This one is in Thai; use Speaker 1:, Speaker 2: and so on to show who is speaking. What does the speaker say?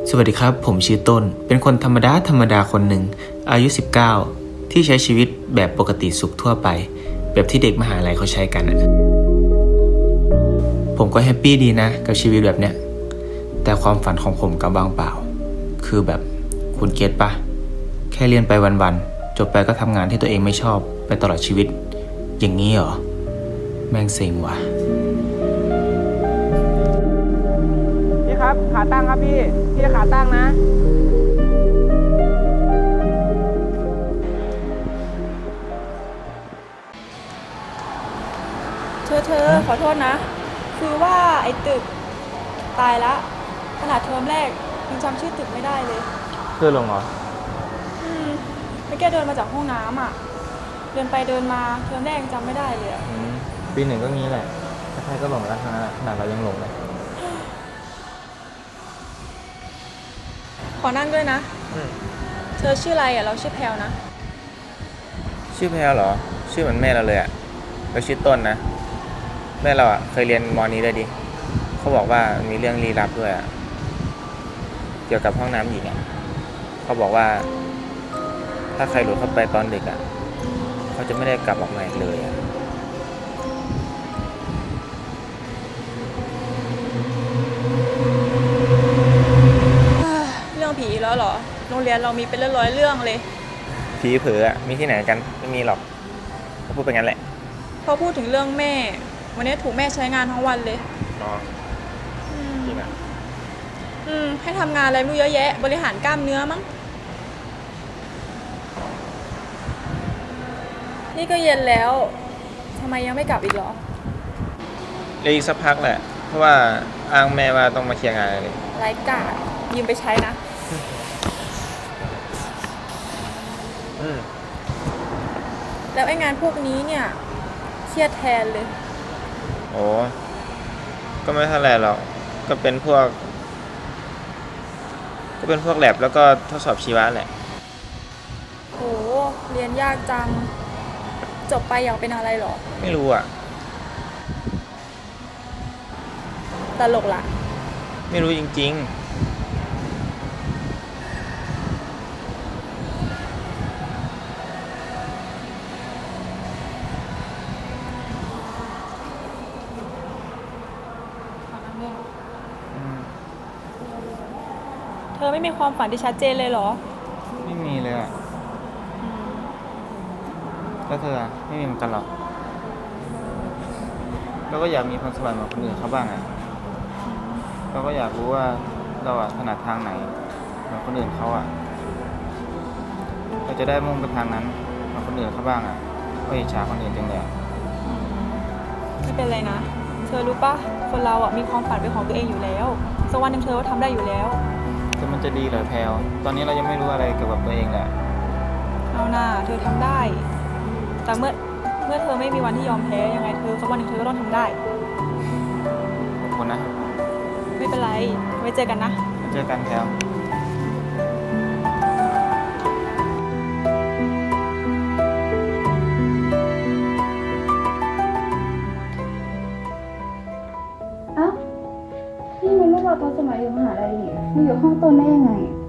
Speaker 1: สวัสดีครับผมชื่อต้นเป็นคนธรรมดาคนหนึ่งอายุ19ที่ใช้ชีวิตแบบปกติสุขทั่วไปแบบที่เด็กมหาลัยเขาใช้กันผมก็แฮปปี้ดีนะกับชีวิตแบบเนี้ยแต่ความฝันของผมก็ว่างเปล่าคือแบบคุณเก็ตปะแค่เรียนไปวันๆจบไปก็ทำงานที่ตัวเองไม่ชอบไปตลอดชีวิตอย่างนี้เหรอแม่งเซ็งว่ะ
Speaker 2: พี่ครับขาตั้งครับพี่ขาตั้งนะ
Speaker 3: เธอขอโทษนะคือว่าไอ้ตึกตายละขนาดเทอมแรกยังจำชื่อตึกไม่ได้เลย
Speaker 2: เพื่อนลงเหรอ
Speaker 3: ไม่แกเดินมาจากห้องน้ำอ่ะเดินไปเดินมาเทอมแรกยังจำไม่ได้เลย
Speaker 2: ปีหนึ่งก็งี้แหละใครๆก็หลงแล้วขนาดเรายังหลงเลย
Speaker 3: ขอนั่งด้วยนะเธอชื่ออะไรอ่ะเราชื่อแพลวนะ
Speaker 2: ชื่อแพลเหรอชื่อเหมือนแม่เราเลยอ่ะเราชื่อต้นนะแม่เราอ่ะเคยเรียนม.นี้ด้วยดิเขาบอกว่ามีเรื่องลี้ลับด้วยอ่ะเกี่ยวกับห้องน้ำหญิงอ่ะเขาบอกว่าถ้าใครหลุดเข้าไปตอนดึกอ่ะเขาจะไม่ได้กลับออกมาอีกเลยอ่ะ
Speaker 3: เรื่องผีแล้วเหรอโรงเรียนเรามีเป็นร้อยเรื่องเลย
Speaker 2: ผีเผลออ่ะมีที่ไหนกันไม่มีหรอกเขาพูดไปงั้นแหละ
Speaker 3: พอพูดถึงเรื่องแม่วันนี้ถูกแม่ใช้งานทั้งวันเลย
Speaker 2: จริงอ่ะ
Speaker 3: ให้ทำงานอะไรไม่รู้เยอะแยะบริหารกล้ามเนื้อมั้งนี่ก็เย็นแล้วทำไมยังไม่กลับอีกเหรอ
Speaker 2: เลยอีกสักพักแหละเพราะว่าอ้างแม่ว่าต้องมาเคลียร์งานเลย
Speaker 3: ไร้กาดยืมไปใช้นะแล้วไอ้งานพวกนี้เนี่ยเครียดแทนเลย
Speaker 2: โอ้ก็ไม่เท่าไหร่หรอกก็เป็นพวกแลบแล้วก็ทดสอบชีวะแหละ
Speaker 3: โหเรียนยากจังจบไปอยากเป็นอะไรหรอ
Speaker 2: ไม่รู้อ่ะ
Speaker 3: ตลกละ
Speaker 2: ไม่รู้จริง
Speaker 3: เธอไม่มีความฝันที่ชัดเจนเลยเหรอ
Speaker 2: ไม่มีเลยอ่ะแล้วเธอไม่มีเหมือนกันหรอเราก็อยากมีพรสวรรค์เหมือนคนอื่นเขาบ้างอ่ะเราก็อยากรู้ว่าเราถนัดทางไหนเหมือนคนอื่นเขาอ่ะเราจะได้มุ่งไปทางนั้นเหมือนคนอื่นเขาบ้างอ่ะก็อิจฉาคนอื่นจังเลย
Speaker 3: ไม่เป็นไรนะเธอรู้ปะคนเรามีความฝันเป็นของตัวเองอยู่แล้วสักวันหนึ่งเธอก็ทำได้อยู่แล้ว
Speaker 2: แต่มันจะดีเหรอแพลวตอนนี้เรายังไม่รู้อะไรเกี่ยวกับตัวเองแหละ
Speaker 3: เอาหน้าเธอทำได้แต่เมื่อเธอไม่มีวันที่ยอมแพ้ยังไงเธอสักวันหนึ่งเธอก็ต้องทำได้
Speaker 2: ขอบคุณนะ
Speaker 3: ไม่เป็นไรไว้เจอกันนะ
Speaker 2: เจอกันแพลว
Speaker 4: นี่มันรูปเราตอนสมัยอยู่มหาลัยนี่มันอยู่ห้องต้นได้ยังไง